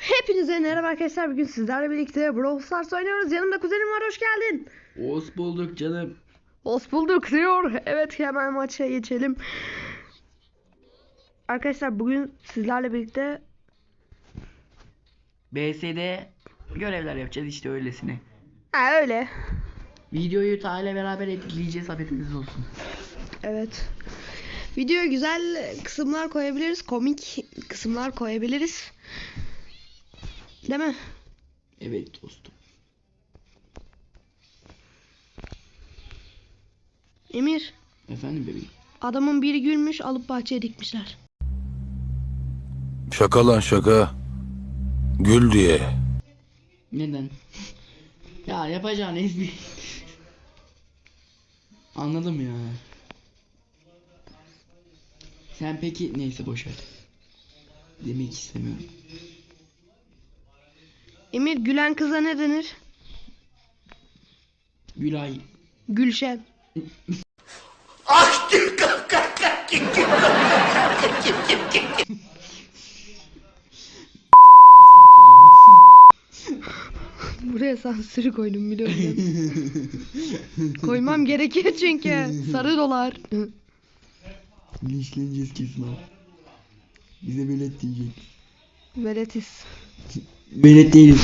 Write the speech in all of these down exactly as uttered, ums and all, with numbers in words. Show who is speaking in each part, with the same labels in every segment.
Speaker 1: Hepinize merhaba arkadaşlar. Bugün sizlerle birlikte Brawl Stars oynuyoruz. Yanımda kuzenim var. Hoş geldin.
Speaker 2: Hoş bulduk canım.
Speaker 1: Hoş bulduk diyor. Evet, hemen maça geçelim. Arkadaşlar bugün sizlerle birlikte
Speaker 2: B S'de görevler yapacağız işte öylesine.
Speaker 1: ha, öyle.
Speaker 2: Videoyu Ta ile beraber editleyeceğiz, haberiniz olsun.
Speaker 1: Evet. Videoya güzel kısımlar koyabiliriz. Komik kısımlar koyabiliriz. Değil mi?
Speaker 2: Evet dostum.
Speaker 1: Emir.
Speaker 2: Efendim bebeğim.
Speaker 1: Adamın biri gülmüş, alıp bahçeye dikmişler.
Speaker 3: Şaka lan şaka. Gül diye.
Speaker 2: Neden? Ya yapacağın espri. Anladım ya. Sen peki neyse boşver. Demek istemiyorum.
Speaker 1: Emir, gülen kıza ne denir?
Speaker 2: Gülay.
Speaker 1: Gülşen. Buraya sansür koydum biliyorum. Koymam gerekir çünkü. Sarı dolar.
Speaker 2: Linçleneceğiz kesin abi. Bize velet diyecek.
Speaker 1: Veletiz.
Speaker 2: Velet değiliz.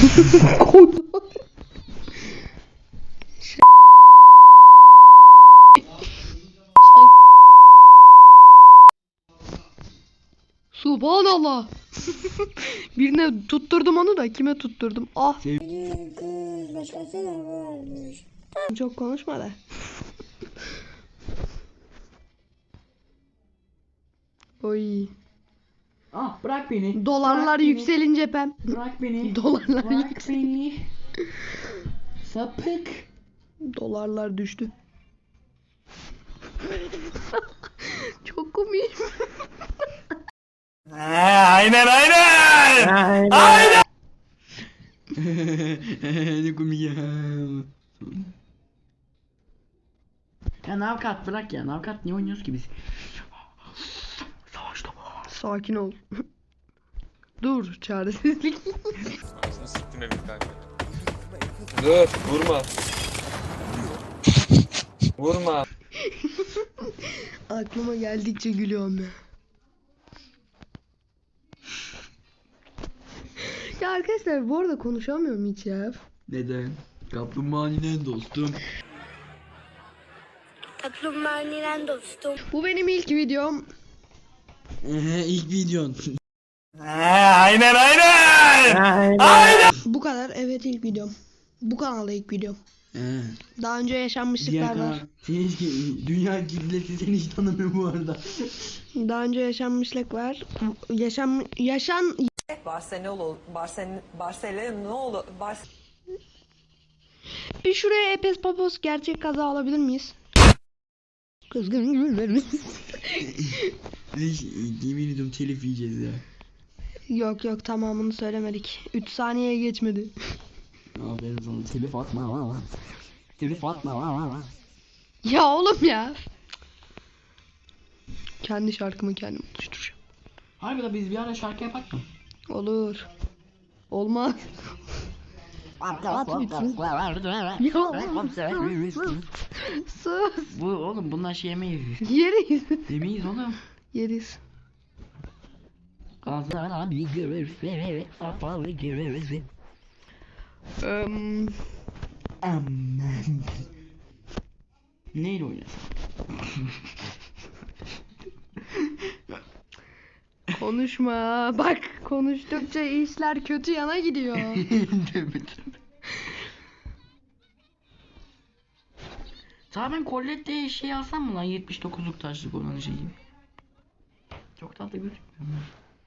Speaker 1: Subhanallah. Birine tutturdum onu da kime tutturdum? Ah.
Speaker 4: Kız başkasına varmış.
Speaker 1: Çok konuşma da. Oy.
Speaker 2: Ah bırak beni.
Speaker 1: Dolarlar
Speaker 2: Bırak beni.
Speaker 1: yükselince pem.
Speaker 2: Bırak beni.
Speaker 1: Dolarlar
Speaker 2: Bırak
Speaker 1: yüksel.
Speaker 2: beni. Sapık.
Speaker 1: Dolarlar düştü. Çok komik.
Speaker 3: Aynen aynen.
Speaker 2: Aynen. Ne komik ya. Ya Navkat bırak ya. Navkat niye oynuyoruz ki biz? Savaşta var.
Speaker 1: Sakin ol. Dur, çaresizlik.
Speaker 5: Anasını siktim evin kanka.
Speaker 6: Dur vurma. Vurma.
Speaker 1: Aklıma geldikçe gülüyorum ya. Ya arkadaşlar bu arada konuşamıyorum hiç ya.
Speaker 2: Neden? Kaplumbağanın dostum.
Speaker 4: Kaplumbağanın dostum.
Speaker 1: Bu benim ilk videom.
Speaker 2: İlk videon.
Speaker 3: Aynen aynen.
Speaker 1: Bu kadar, evet, ilk videom. Bu kanalda ilk videom.
Speaker 2: He.
Speaker 1: Daha önce
Speaker 2: Diğer
Speaker 1: yaşanmışlıklar
Speaker 2: kanal.
Speaker 1: var.
Speaker 2: Seni hiç, dünya kitlesi seni hiç tanımıyor bu arada.
Speaker 1: Daha önce yaşanmışlık var. Yaşam yaşan
Speaker 7: Barcelona, Barcelona, Barcelona, Bar
Speaker 1: bir şuraya Epes Papos gerçek kaza alabilir miyiz? Kızgın gülmemiş.
Speaker 2: Hiç, yemin ediyorum telif yiyeceğiz ya.
Speaker 1: Yok yok, tamamını söylemedik. üç saniyeye geçmedi.
Speaker 2: Aferin sana, telif atma. Telif atma.
Speaker 1: Ya oğlum ya. Kendi şarkımı kendim oluşturacağım.
Speaker 2: Harbiden biz bir ara şarkı yapak mı?
Speaker 1: Olur. Olmaz. Sus.
Speaker 2: Bu oğlum bunlar şey yemeyiz.
Speaker 1: Yeriz.
Speaker 2: Yemeyiz oğlum.
Speaker 1: Yeriz. Um,
Speaker 2: Aman. Neyle oynasam?
Speaker 1: konuşma. Bak, konuştukça işler kötü yana gidiyor.
Speaker 2: Sana ben Colette'ye şey alsam mı lan, yetmiş dokuzluk taşlık olan şeyi? Çok tatlı gözükmüyor mu?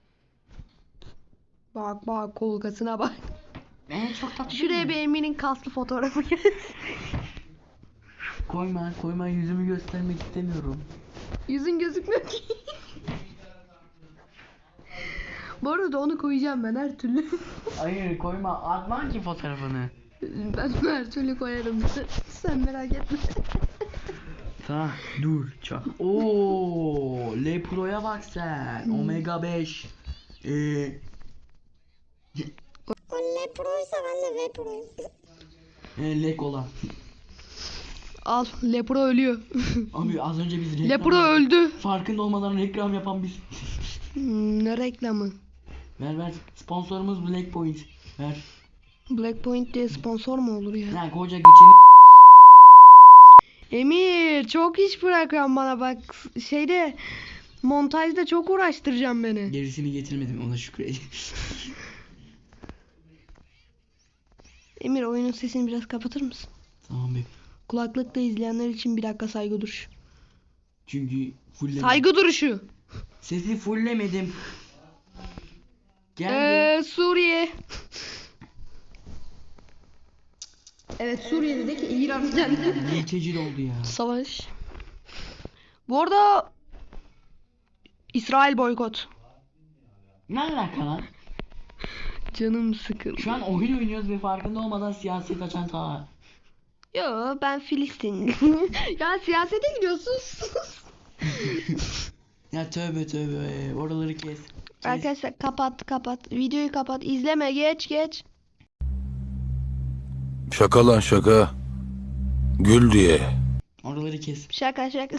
Speaker 1: Bak bak, kolkasına bak.
Speaker 2: Ee, çok tatlı.
Speaker 1: Şuraya
Speaker 2: değil
Speaker 1: bir
Speaker 2: mi?
Speaker 1: Emin'in kaslı fotoğrafı gel.
Speaker 2: Koyma koyma, yüzümü göstermek istemiyorum.
Speaker 1: Yüzün gözükmüyor ki. Bu arada onu koyacağım ben her türlü.
Speaker 2: Hayır koyma, atma ki fotoğrafını.
Speaker 1: Ben her türlü koyarım. Sen merak etme.
Speaker 2: Tamam dur çak. Oo, Le Pro'ya bak sen. Omega beş. Ee,
Speaker 4: Leproysa ben de Leproyum.
Speaker 2: E, lek olan.
Speaker 1: Al Lepro ölüyor.
Speaker 2: Abi az önce biz reklam
Speaker 1: Lepro öldü.
Speaker 2: farkında olmadan reklam yapan biz.
Speaker 1: Hmm, ne reklamı?
Speaker 2: Ver ver. Sponsorumuz Black Point. Ver.
Speaker 1: Black Point diye sponsor mu olur ya?
Speaker 2: Ya koca geçini.
Speaker 1: Emir çok iş bırakıyorsun bana bak. Şeyde montajda çok uğraştıracağım beni.
Speaker 2: Gerisini getirmedim, ona şükredin.
Speaker 1: Emir oyunun sesini biraz kapatır mısın?
Speaker 2: Tamam be.
Speaker 1: Kulaklıkla izleyenler için bir dakika saygı duruşu.
Speaker 2: Çünkü fulllemedim.
Speaker 1: Saygı duruşu.
Speaker 2: Sesi fulllemedim. Geldi.
Speaker 1: Ee, Suriye. Evet Suriye'deki İran geldi.
Speaker 2: Mülteci oldu ya.
Speaker 1: Savaş. Bu arada İsrail boykot.
Speaker 2: Ne alaka lan?
Speaker 1: Canım sıkıldı.
Speaker 2: Şu an oyun oynuyoruz ve farkında olmadan siyaset açan ta.
Speaker 1: Yo ben Filistin. Ya siyasete gidiyorsun.
Speaker 2: Ya tövbe tövbe, oraları kes. kes.
Speaker 1: Arkadaşlar kapat kapat. Videoyu kapat. İzleme geç geç.
Speaker 3: Şaka lan şaka. Gül diye.
Speaker 2: Oraları kes.
Speaker 1: Şaka şaka.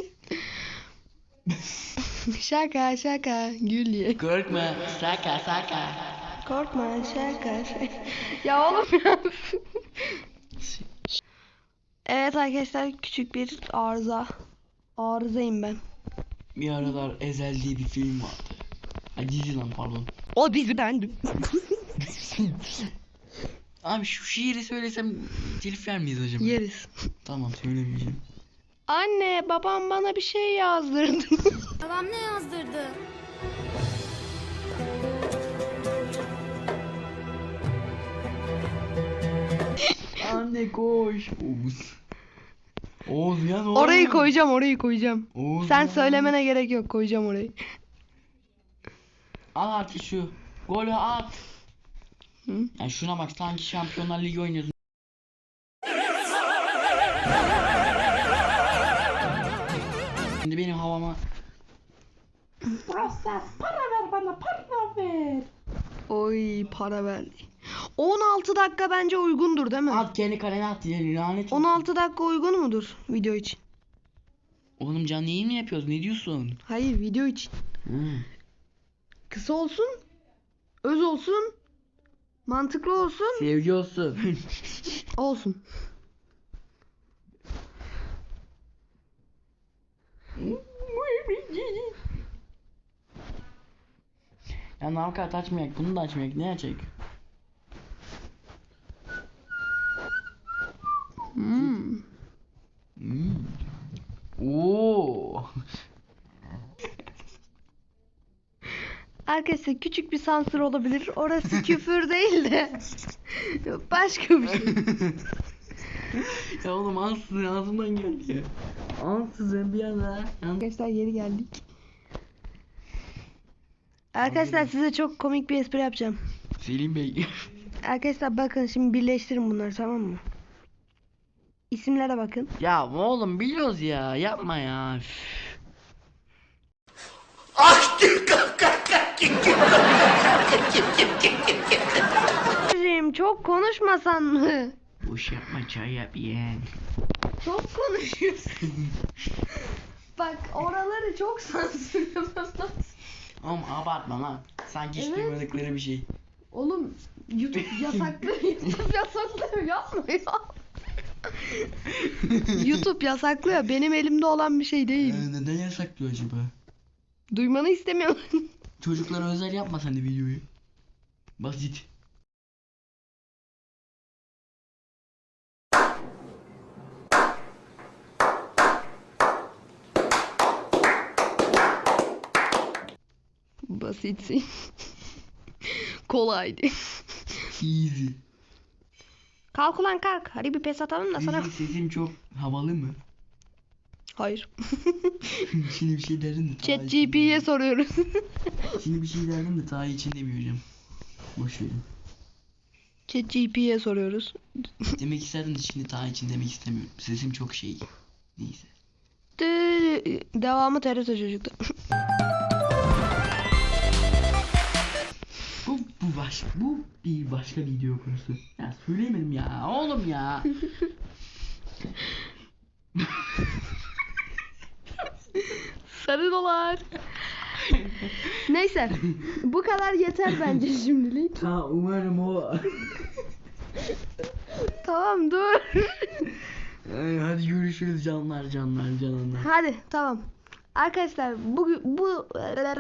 Speaker 1: Şaka şaka. Gül diye.
Speaker 2: Korkma, saka saka.
Speaker 1: Korkma şaka şaka. Ya oğlum ya. Evet arkadaşlar küçük bir arıza. Arızayım ben.
Speaker 2: Bir aralar Ezel diye bir film vardı. Ay dizi lan pardon.
Speaker 1: O dizi bendim.
Speaker 2: Abi şu şiiri söylesem telif yer miyiz acaba?
Speaker 1: Yeriz.
Speaker 2: Tamam söylemeyeceğim.
Speaker 1: Anne babam bana bir şey yazdırdı.
Speaker 4: Babam ne yazdırdı?
Speaker 2: Anne koş. Oğuz. Oğuz ya ne
Speaker 1: Orayı
Speaker 2: oluyor?
Speaker 1: koyacağım orayı koyacağım.
Speaker 2: Oğuz
Speaker 1: Sen
Speaker 2: ya.
Speaker 1: söylemene gerek yok, koyacağım orayı.
Speaker 2: Al artık şu. Golü at.
Speaker 1: Hı?
Speaker 2: Yani şuna bak, sanki Şampiyonlar Ligi oynuyorsun. Şimdi benim havama
Speaker 1: Oy para verdi. on altı dakika bence uygundur değil mi?
Speaker 2: at, kendi kalene at ya, lanet olsun.
Speaker 1: on altı dakika uygun mudur video için?
Speaker 2: Oğlum canlı yayın mı yapıyoruz, ne diyorsun?
Speaker 1: Hayır video için.
Speaker 2: Hı.
Speaker 1: Kısa olsun, öz olsun, mantıklı olsun,
Speaker 2: Sevgi olsun.
Speaker 1: olsun.
Speaker 2: Ya navkat açmayak, bunu da açmayak, ne açacak?
Speaker 1: Hmm.
Speaker 2: Hmm. Oo.
Speaker 1: Arkadaşlar küçük bir sansür olabilir. Orası küfür değil de başka bir şey.
Speaker 2: Ya oğlum ansızın ağzımdan geldi ya. Ansızın bir anda.
Speaker 1: Arkadaşlar geri geldik. Arkadaşlar size çok komik bir espri yapacağım.
Speaker 2: Selim Bey.
Speaker 1: Arkadaşlar bakın şimdi birleştirin bunları, tamam mı? İsimlere bakın.
Speaker 2: Ya oğlum biliyoruz ya, yapma ya. Üf.
Speaker 1: Hocam çok konuşmasan mı?
Speaker 2: Boş yapma, çay yap yeğen.
Speaker 1: Çok konuşuyorsun. Bak oraları çok sansürlemem.
Speaker 2: Oğlum abartma lan. Sanki hiç
Speaker 1: Evet.
Speaker 2: duymadıkları bir şey.
Speaker 1: Oğlum YouTube yasaklıyor. YouTube yasaklıyor, yapma ya. YouTube yasaklıyor. Benim elimde olan bir şey değil.
Speaker 2: Ee, neden yasaklıyor acaba?
Speaker 1: Duymanı istemiyorum.
Speaker 2: Çocuklara özel yapma sen de videoyu. Basit.
Speaker 1: Basitsin. Kolaydı.
Speaker 2: Easy.
Speaker 1: Kalk ulan kalk. Hadi bir pes atalım da sana.
Speaker 2: Easy, sesim çok havalı mı?
Speaker 1: Hayır.
Speaker 2: Şimdi bir şey derdim de.
Speaker 1: Chat
Speaker 2: Taha
Speaker 1: G P T'ye soruyoruz.
Speaker 2: için- Şimdi bir şey derdim de Taha için demeyeceğim. Boş verin.
Speaker 1: Chat G P T'ye soruyoruz.
Speaker 2: Demek isterdim de şimdi Taha için demek istemiyorum. Sesim çok şey. Neyse.
Speaker 1: Dı- Devamı T R T çocukta.
Speaker 2: Bu, bu Bu baş, bu bir başka video konusu. Ya söyleyemedim ya oğlum ya.
Speaker 1: Sarı dolar. Neyse. Bu kadar yeter bence şimdilik.
Speaker 2: Ha umarım o.
Speaker 1: Tamam dur.
Speaker 2: Ay, hadi görüşürüz canlar canlar canlar.
Speaker 1: Hadi tamam. Arkadaşlar bu bu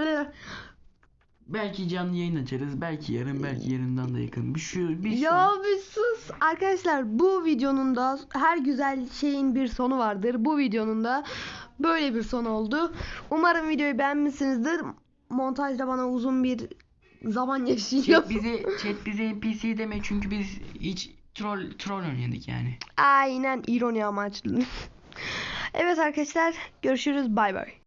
Speaker 2: Belki canlı yayın açarız. Belki yarın, belki yarından da yakın. Bir şu bir
Speaker 1: ya
Speaker 2: son.
Speaker 1: bir sus. Arkadaşlar bu videonun da her güzel şeyin bir sonu vardır. Bu videonun da böyle bir son oldu. Umarım videoyu beğenmişsinizdir. Montajda bana uzun bir zaman yaşayacağım.
Speaker 2: Chat bize chat bize N P C deme çünkü biz hiç troll troll oynadık yani.
Speaker 1: Aynen ironi amaçlı. Evet arkadaşlar görüşürüz bay bay.